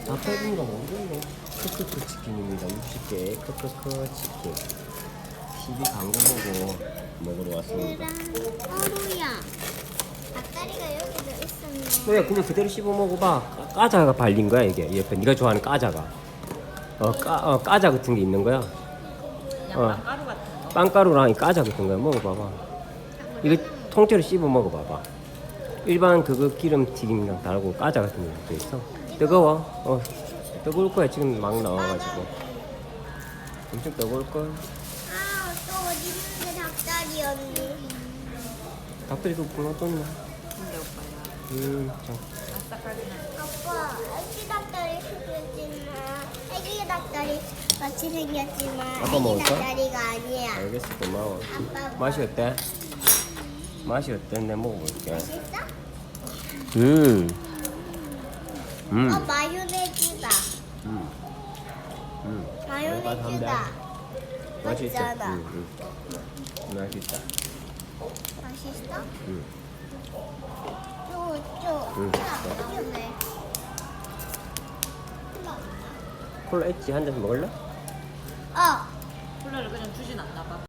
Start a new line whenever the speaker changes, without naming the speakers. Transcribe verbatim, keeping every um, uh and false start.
닭갈비인가 모르겠네. 크크크 치킨입니다. 육십 개 크크크 치킨. 십이 광고 보고 먹으러 왔습니다.
어루야. 닭다리가 여기도 있었네.
그래 그냥 그대로 씹어 먹어봐. 까- 까자가 발린 거야 이게. 옆에 네가 좋아하는 까자가. 어, 까, 어 까자 같은 게 있는 거야.
그냥
어.
빵가루 같은 거.
빵가루랑 이 까자 같은 거야. 먹어봐봐. 이거 통째로 씹어 먹어봐봐. 일반 그거 기름 튀김이랑 다르고 까자 같은 것도 있어. 뜨거워. 어 뜨거울 거야. 지금 막 나와가지고. 엄청 뜨거울 걸.
아, 또 어디 있는데 닭다리 언니.
닭다리도 굶어 떴네.
근데 오빠야.
음, 참.
아삭하긴 한.
아빠, 애기 닭다리 생겼지만 애기 닭다리 같이 생겼지만
아빠
애기
먹을까?
닭다리가 아니야.
알겠어, 고마워.
아빠
맛이 어때? 맛이 어때? 내가 먹어볼게.
맛있어?
음, 음,
어, 마요네즈다.
음, 음.
마요네즈다.
맛이 있어.
맞잖아.
음, 음. 맛있다.
맛있어?
음.
쪼, 쪼.
응.
맛있네.
콜라 있지? 한 잔 먹을래?
어.
콜라를 그냥 주진 않나 봐.